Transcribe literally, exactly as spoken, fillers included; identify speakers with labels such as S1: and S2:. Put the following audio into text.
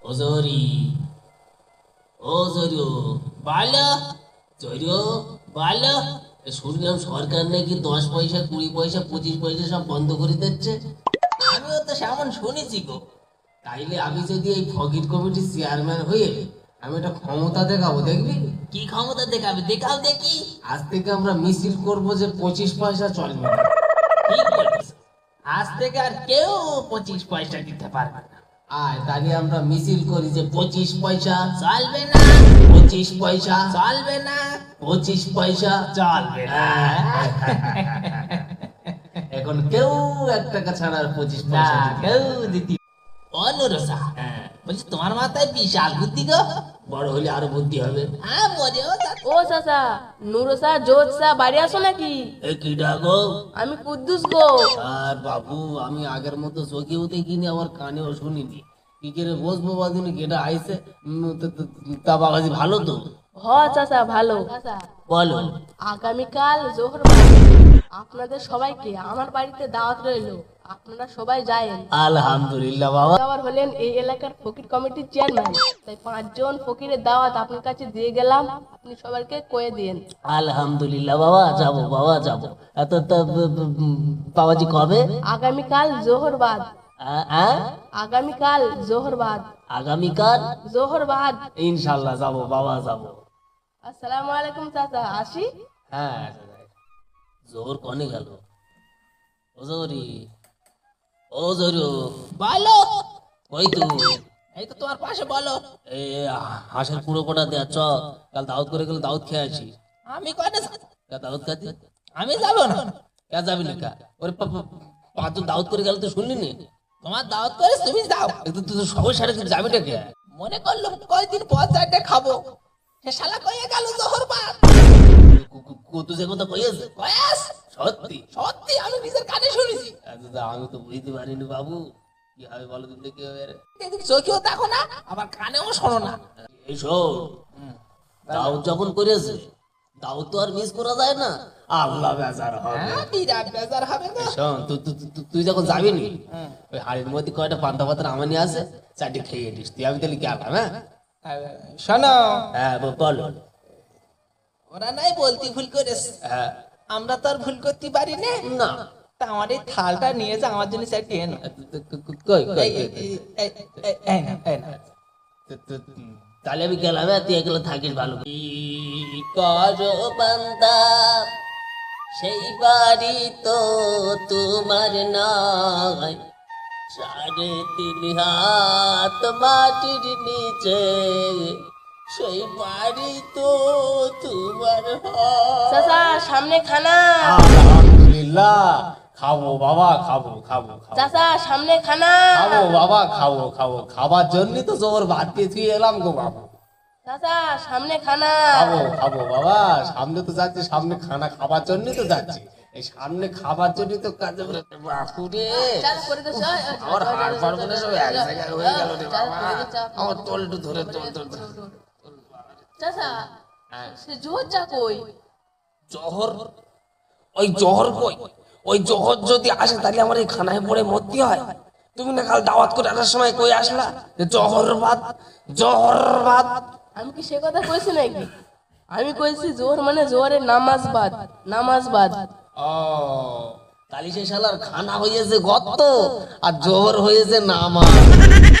S1: ওজরি ওজরিও বালো জরিও বালো। শুনলাম সরকার নাকি দশ পয়সা কুড়ি পয়সা পঁচিশ পয়সা সব বন্ধ করে দিচ্ছে। আমিও তো সেমন শুনেছি গো। তাইলে আমি যদি এই ফকির কমিটির চেয়ারম্যান হয়ে আমি একটা ক্ষমতা দেখাবো, দেখবি? কি ক্ষমতা দেখাবে? দেখাও দেখি। আজ থেকে আমরা মিছিল করবো যে পঁচিশ পয়সা চলবে না। ঠিক বলিস, আজ থেকে আর কেউ পঁচিশ পয়সা দিতে পারবে না। আয় তাহলে আমরা মিছিল করি যে পঁচিশ পয়সা চলবে না, পঁচিশ পয়সা চলবে না, পঁচিশ পয়সা চলবে না। এখন কেউ এক টাকা ছাড়া আর পঁচিশ পয়সা কেউ দিতে। অনুরসা বলছি তোমার মাথায় বিশাল বুদ্ধি গো। বড় হলে আরো বুদ্ধি হবে। হ্যাঁ মজা।
S2: ও চাচা, নুরসা জোৎসা বাড়ি আসো নাকি?
S1: এ কি ডাকো?
S2: আমি কুদ্দুস গো।
S1: আর বাবু আমি আগের মতো চোখেও দেখিনি, আমার কানেও শুনিনি। কি করে বসবো বাদিনে কেটা আইসে। তা বাবাজি ভালো তো?
S2: হ চাচা ভালো।
S1: বলো।
S2: আগামীকাল জোহর আপনাদের সবাইকে আমার বাড়িতে দাওয়াত রইলো, আপনারা সবাই যায়েন।
S1: আলহামদুলিল্লাহ বাবা।
S2: আবার হলেন এই এলাকার ফকির কমিটির চেয়ারম্যান, তাই পাঁচজন ফকিরের দাওয়াত আপনার কাছে দিয়ে গেলাম, আপনি সবাইকে কয়ে দিন।
S1: আলহামদুলিল্লাহ বাবা, যাবো বাবা যাবো। এত বাবাজি কবে?
S2: আগামীকাল জোহর বাদ।
S1: আ- আ?
S2: আগামীকাল জোহর বাদ।
S1: আগামীকাল
S2: জোহর বাদ।
S1: ইনশাল্লাহ যাবো বাবা যাবো।
S2: আসসালামু আলাইকুম চাচা, আসি।
S1: হ্যাঁ জোর কনে গেল? ও জোরি ও জোরু বলো। ওই তো এই তো তোমার পাশে। বলো। এই হাঁসের পুরো কোটা দেয়া চ, কাল দাউদ করে গেলে দাউদ খেয়ে আসি। আমি কয়টা দাউদ খাচ্ছি? আমি যাবো না। কে যাবি না? কা ওরে পাঁচজন দাউদ করে গেল তো শুনলি নি? তোমার দাওয়াত করে তুমি যাও, একটু তো সবাই সাথে যাবে টা কে? মনে করলাম কয়দিন পর চারটে খাবো, সে শালা কইয়া গেল জোহর বাদ। কত যে কথা কইয়াছে কয়াস সত্যি সত্যি আমি নিজের কানে শুনেছি। আচ্ছা আমি তো বুঝতে পারিনি বাবু, কি হবে বলো তো দেখি। চোখেও দেখো না আবার কানেও শোনো না। এই শোন, দাউদ যখন করেছে দাউদ তো আর মিস করা যায় না। আল্লাহ বেজার হবে, বিরাট বেজার হবে। শোন তুই যখন যাবি নি ওই হাড়ির মধ্যে কয়টা পান্তা পাতা আমার নিয়ে আসে, চারটে খেয়ে নিস তুই। আমি তাহলে গেলাম। হ্যাঁ শোনো। হ্যাঁ বলো। ওরা নাই বলতে ভুল করেছে, আমরা তো আর ভুল করতে পারি না। না তা আমার এই থালটা নিয়ে যা, আমার জন্য চারটে এনো। তাহলে আমি গেলাম, তুই এগুলো থাকিস ভালো করো বান্দা, সেই বাড়ি তো তোমার নয়, সাড়ে তিন হাত মাটির নিচে সেই বাড়ি তো তোমার হয়।
S2: চাচা সামনে খানা।
S1: আলহামদুলিল্লাহ খাবো বাবা, খাবো খাবো খাবো।
S2: চাচা সামনে খানা।
S1: খাবো বাবা খাবো খাবো, খাবার জন্য তো জোর ভাত দিয়ে তুই এলাম গো বাবা।
S2: চাচা সামনে খানা।
S1: খাবো খাবো বাবা, সামনে তো যাচ্ছি, সামনে খানা খাবার জন্য তো যাচ্ছি, এই সামনে খাবার জন্য তো কাজে। বাপুরে আমার হাড় ফাড় মনে সব এক জায়গায় হয়ে গেল রে বাবা, আমার তলটু ধরে তোল তোল।
S2: চাচা সে জোর যা কই?
S1: জহর? ওই জহর কই? ওই জহর যদি আসে তাহলে আমার এই খানায় পড়ে মরতে হয়। তুমি না কাল দাওয়াত করে আসার সময় কই আসলা জহর ভাত জহর ভাত?
S2: আমি কি সে কথা কইছি নাকি? আমি কইছি জোহর মানে জোহরের নামাজ বাদ, নামাজ বাদ।
S1: ও তাহলে সে শালার খানা হয়েছে গত্ত আর জোহর হয়েছে নামাজ।